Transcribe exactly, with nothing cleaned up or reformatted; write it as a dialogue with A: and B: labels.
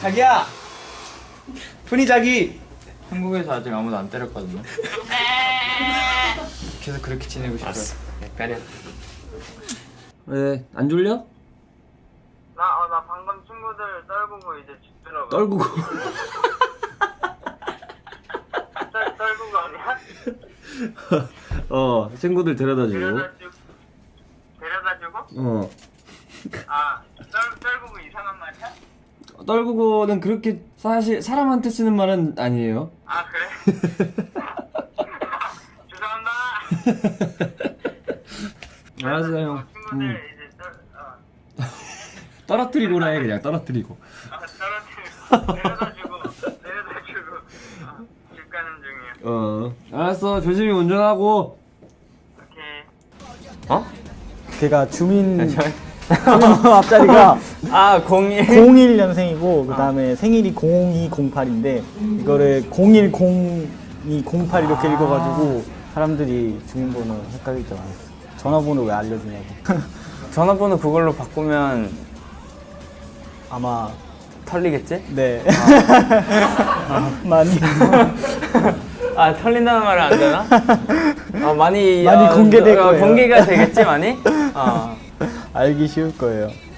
A: 자기야! 푸니 자기!
B: 한국에서 아직 아무도 안 때렸거든요. 계속 그렇게 지내고 싶어요. 약간은.
A: 왜, 안 졸려?
C: 나, 어, 나 방금 친구들 떨구고 이제 집 들어가.
A: 떨구고.
C: 떨, 떨구고 아니야?
A: 어, 친구들 데려다 주고.
C: 데려다 주고? 데려다 주고?
A: 어.
C: 아, 떨, 떨구고 이상한 말이야?
A: 떨구고는 그렇게 사실 사람한테 쓰는 말은 아니에요.
C: 아, 그래? 죄송합니다.
A: 알았어, 형.
C: 어, 친구들
A: 음.
C: 이제 떨, 어,
A: 떨어뜨리고라 해, 그냥 떨어뜨리고.
C: 아, 떨어뜨리고, 데려다 주고, 데려다 주고, 어, 집 가는 중이야.
A: 어. 알았어, 조심히 운전하고.
C: 오케이.
D: 어? 걔가 주민
B: 저...
D: 주민번호 앞자리가
B: 아, 공일.
D: 공일 년생이고 그 다음에 생일이 공이공팔인데 이거를 공일공이공팔 이렇게
B: 아.
D: 읽어가지고 사람들이 주민번호 헷갈릴 줄 알았어. 전화번호 왜 알려주냐고.
B: 전화번호 그걸로 바꾸면
D: 아마
B: 털리겠지?
D: 네. 많이
B: 아, 털린다는 말은 안 되나? 아, 많이
D: 많이
B: 어,
D: 공개될
B: 어,
D: 거예요.
B: 공개가 되겠지, 많이? 어.
D: 알기 쉬울 거예요.